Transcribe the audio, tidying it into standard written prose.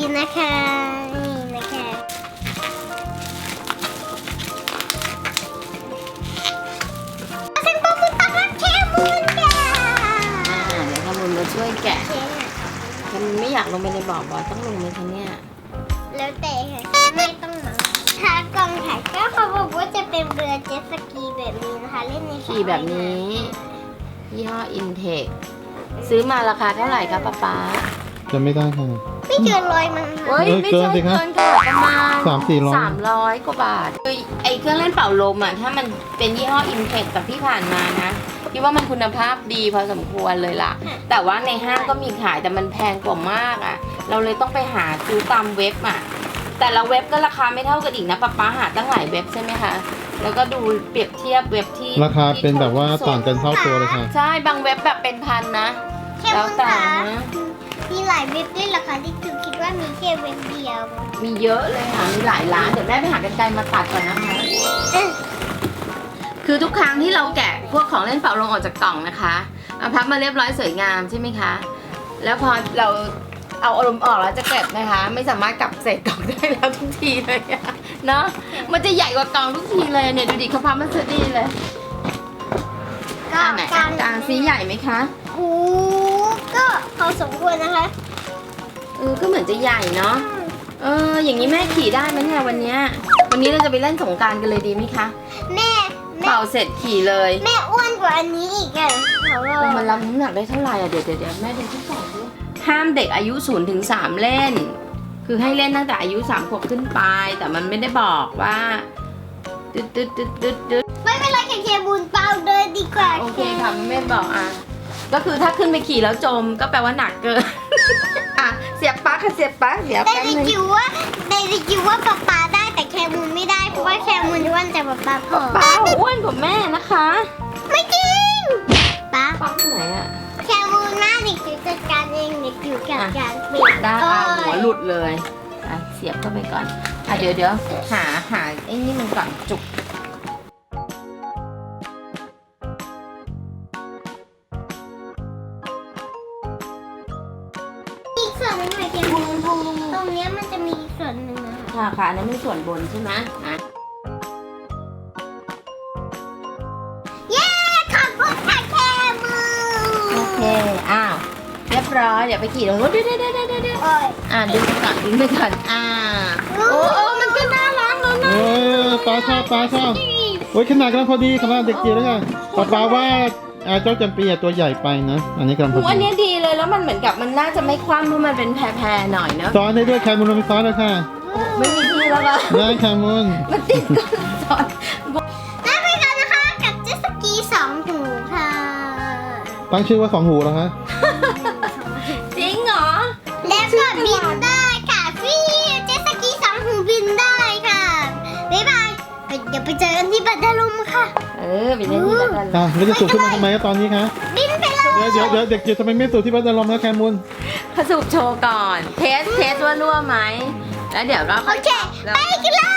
นะคะนี่นะคะเส้นปลาหมึกตักน้ำแคมูนค่ะเดี๋ยวขมุนมาช่วยแกะมันไม่อยากลงไปในบ่อต้องลงไหมคะเนี่ยแล้วแต่ค่ะไม่ต้องหนังขากล่องถ่ายก็เขาบอกว่าจะเป็นเรือเจ็ตสกีแบบนี้นะคะเล่นในสระขี่แบบนี้ยี่ห้ออินเทคซื้อมาราคาเท่าไหร่คะป๊าจะไม่ได้ค่ะไม่เกิน100มั้งเฮ้ค่ะยไม่ใช่เกินสิครับเกินค่ะประมาณ 300-400 300 กว่าบาทคือไอเครื่องเล่นเป่าลมอ่ะถ้ามันเป็นยี่ห้ออินเทคกับที่ผ่านมานะพี่ว่ามันคุณภาพดีพอสมควรเลยล่ะ แต่ว่าในห้างก็มีขายแต่มันแพงกว่ามากอ่ะเราเลยต้องไปหาซื้อตามเว็บอ่ะแต่ละเว็บก็ราคาไม่เท่ากันอีกนะป๊าหาตั้งหลายเว็บใช่ไหมคะแล้วก็ดูเปรียบเทียบเว็บที่ราคาเป็นแบบว่าต่างกันเท่าตัวเลยค่ะใช่บางเว็บแบบเป็นพันนะแค่แล้วมึงแต่คะนะมีหลายเว็บด้วยเหรอคะที่คือคิดว่ามีแค่เว็บเดียวมีเยอะเลยค่ะ มีหลายร้าน เดี๋ยวแม่ไปหากันไกรมาตัดก่อนนะคะ คือทุกครั้งที่เราแกะพวกของเล่นเป่าลมออกจากกล่องนะคะเอาพับมาเรียบร้อยสวยงามใช่ไหมคะ แล้วพอเราเอาอารมณ์ออกแล้วจะเก็บนะคะ ไม่สามารถกลับใส่กล่องได้แล้วทุกทีเลยอะเนาะ มันจะใหญ่กว่ากล่องทุกทีเลยเนี่ยดูดิเขาพับมันสดีเลยก็อันไหนอันกลางซีใหญ่ไหมคะโอ้ก็พอสมควรนะคะก็เหมือนจะใหญ่เนาะ อย่างนี้แม่ขี่ได้ไหมเนี่ยวันเนี้ยวันนี้เราจะไปเล่นสงกรานต์กันเลยดีไหมคะแม่เป่าเสร็จขี่เลยแม่อ้วนกว่าอันนี้อีกอ่ะเขาบอกมันรับน้ำหนักได้เท่าไหร่อ่ะเดี๋ยวแม่ดูที่กล่องด้วยห้ามเด็กอายุ0 ถึง 3เล่น คือให้เล่นตั้งแต่อายุ3 ขวบขึ้นไป แต่มันไม่ได้บอกว่าตึ๊ดไม่เป็นไรแค่เคบุญเปล่าเดินดีกว่าโอเคค่ะแม่บอกอ่ะก็คือถ้าขึ้นไปขี่แล้วจมก็แปลว่าหนักเกิน อ่ะเสียบปลั๊กค่ะเสียบปลั๊กเดี๋ยวแต่แป๊บในนึงจิ๋วว่าป๊าได้แต่แคมูนไม่ได้เพราะว่าแคมูนอ้วนแต่ป๊าผอมป้าอ้วนกว่าแม่นะคะไม่จริงป๊าปลั๊กที่ไหนอ่ะแคมูนหน้าเด็กจิ๋วจัดการเองเด็กจิ๋วจัดการเปลี่ยนได้อ่ะหัวหลุดเลยอ่ะเสียบเข้าไปก่อนอ่ะเดี๋ยวหาไอ้นี่มันก่อนจุกอีกส่วนหนึงหน่อยแคมูนตรงเนี้ยมันจะมีอีกส่วนหนึ่งนะคะค่ะอันนั้นเป็นส่วนบนใช่ไหมอ่ะเย้ขอบคุณค่ะแคมูนโอเค อ้าว เรียบร้อย เดี๋ยวไปขี่ตรงนู้นเดี๋ยวโอ้ยดึงไปก่อนโอ้มันก็น่ารักแล้วนะปลาชอบโอ้ยขนาดกำลังพอดีขนาดเด็กจิ๋วแล้วค่ะปลาว่าเจ้าจำปีตัวใหญ่ไปนะ อันนี้กำลังพออันดีนี้ดีเลยแล้วมันเหมือนกับมันน่าจะไม่คว่ำเพราะมันเป็นแพรๆหน่อยเนอะซ้อนได้ด้วยแคมูลมีซ้อนแล้วค่ะไม่มีที่แล้วก็ได้แคมูลมันติดก้นจอดแล้วไปกันนะคะกับเจ็ตสกี2 หูค่ะตั้งชื่อว่า2 หูแล้วฮะจริงเหรอแล้วก็บินได้ค่ะฟิวเจ็ตสกี2 หูบินได้ค่ะบ๊ายบายเดี๋ยวไปเจอกันที่บันไดลมค่ะไปเล่นที่บ้านอ่ะแล้วจะสูบขึ้นมาทำไมตอนนี้คะบินไปเลยเดี๋ยวเด็กจิ๋วทำไมไม่สูบที่บ้านจะลมแล้วแคมูลผสูบโชว์ก่อน เทสว่ารั่วไหม แล้วเดี๋ยวก็โอเคแล้วไปกันเลย